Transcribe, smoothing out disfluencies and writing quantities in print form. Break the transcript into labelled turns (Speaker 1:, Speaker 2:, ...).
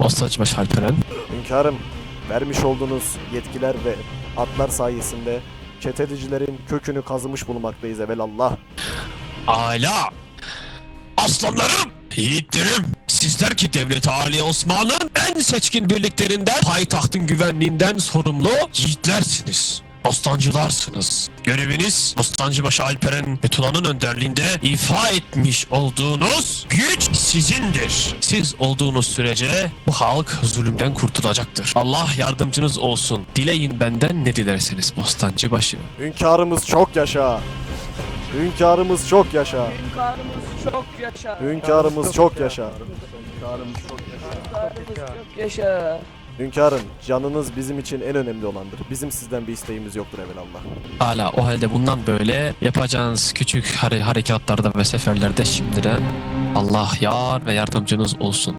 Speaker 1: Bostancıbaşı Alperen.
Speaker 2: Hünkârım, vermiş olduğunuz yetkiler ve atlar sayesinde çetecilerin kökünü kazımış bulunmaktayız evelallah.
Speaker 1: Ala! Aslanlarım! Yiğitlerim! Sizler ki Devlet-i Ali Osman'ın en seçkin birliklerinden, payitahtın güvenliğinden sorumlu yiğitlersiniz. Bostancılarsınız. Göreviniz Bostancıbaşı Alperen ve Tuna'nın önderliğinde ifa etmiş olduğunuz güç sizindir. Siz olduğunuz sürece bu halk zulümden kurtulacaktır. Allah yardımcınız olsun. Dileyin benden ne dilerseniz Bostancıbaşı.
Speaker 2: Hünkârımız çok yaşa. Hünkârımız çok yaşa.
Speaker 3: Hünkârımız çok yaşa.
Speaker 2: Hünkârımız çok yaşa.
Speaker 3: Hünkârımız çok yaşa.
Speaker 2: Hünkârım, canınız bizim için en önemli olandır. Bizim sizden bir isteğimiz yoktur evelallah.
Speaker 1: Hala o halde bundan böyle yapacağınız küçük harekatlarda ve seferlerde şimdiden Allah yar ve yardımcınız olsun.